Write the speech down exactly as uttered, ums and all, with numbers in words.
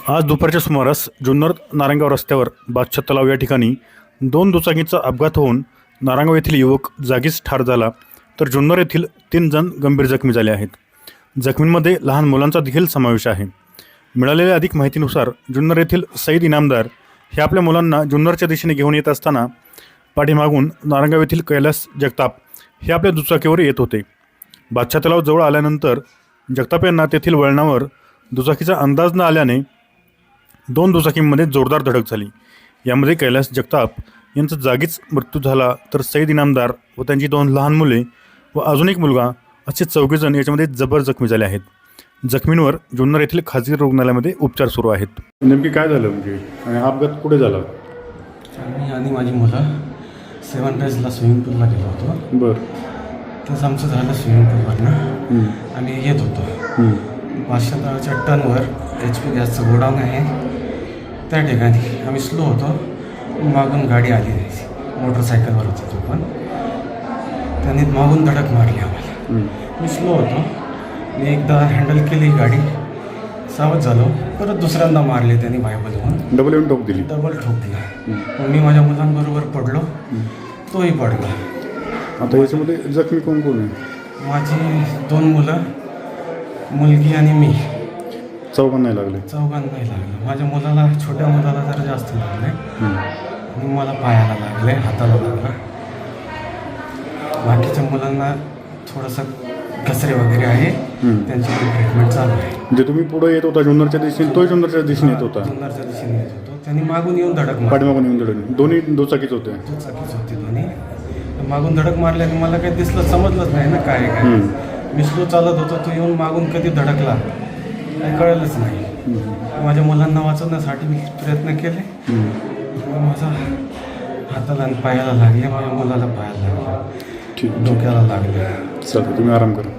आज दुपारच्या सुमारास जुन्नर नारायणगाव रस्त्यावर बादशाह तलाव या ठिकाणी दोन दुचाकींचा अपघात होऊन नारायणगाव येथील युवक जागीच ठार झाला, तर जुन्नर येथील तीन जण गंभीर जखमी झाले आहेत. जखमींमध्ये लहान मुलांचा देखील समावेश आहे. मिळालेल्या अधिक माहितीनुसार जुन्नर येथील सईद इनामदार हे आपल्या मुलांना जुन्नरच्या दिशेने घेऊन येत असताना पाठीमागून नारायणगाव येथील कैलास जगताप हे आपल्या दुचाकीवर येत होते. बादशाह तलाव जवळ आल्यानंतर जगताप यांना तेथील वळणावर दुचाकीचा अंदाज न आल्याने दोन दुचाकींमध्ये जोरदार धडक झाली. यामध्ये कैलास जगताप यांचा जागीच मृत्यू झाला, तर सईद इनामदार व त्यांची दोन लहान मुले व अजून एक मुलगा असे चौघेजण याच्यामध्ये जबर जखमी झाले आहेत. जखमींवर जुन्नर येथील खाजगी रुग्णालयामध्ये उपचार सुरू आहेत. नेमकी काय झालं म्हणजे आणि अपघात कुठे झाला? मी आणि माझी मुलं सेवन डेजला स्विमिंग पूलला गेलो होतो. बरं. तसं आमचं झालं स्विमिंग पूलवरनं. आम्ही येत होतो बादशाह तलावाच्या टर्नवर एच पी गॅसचं गोडाऊन आहे, त्या ठिकाणी आम्ही स्लो होतो. मागून गाडी आली मोटरसायकलवर होतो तो, पण त्यांनी मागून धडक मारली आम्हाला. मी स्लो होतो, मी एकदा हँडल केली गाडी, सावध झालो. परत दुसऱ्यांदा मारले त्यांनी बायबल म्हणून डबल येऊन ठोक दिली डबल ठोकला. मी माझ्या मुलांबरोबर पडलो, तोही पडला. आता याच्यामध्ये जखमी कोण कोण आहे? माझी दोन मुलं, मुलगी आणि मी. चौघांना नाही लागले? चौघांना नाही लागलं. माझ्या मुलाला, छोट्या मुलाला जरा जास्त लागले आणि मला पायाला लागले, हाताला लागला. बाकीच्या मुलांना थोडंसं घसरे वगैरे आहे, त्यांची ट्रीटमेंट चालू आहे. म्हणजे तुम्ही पुढे येत होता जुन्नरच्या दिशेने, तोही जुन्नरच्या दिशेने येत होता? जुन्नरच्या दिशेने येत होतो. त्यांनी मागून येऊन धडक मारली. पाठीमागून येऊन धडक? दोन्ही दुचाकीच होते? दुचाकीच होती दोन्ही. मागून धडक मारल्याने मला काही दिसलं, समजलंच नाही ना काय काय. मी स्लो चालत होतो, तो येऊन मागून कधी धडकला काही कळलंच नाही. माझ्या मुलांना वाचवण्यासाठी मी प्रयत्न केले. माझा हाताला आणि पायाला लागले, माझ्या मुलाला पायाला लागले, ठीक, डोक्याला लागले. चालेल, तुम्ही आराम करा.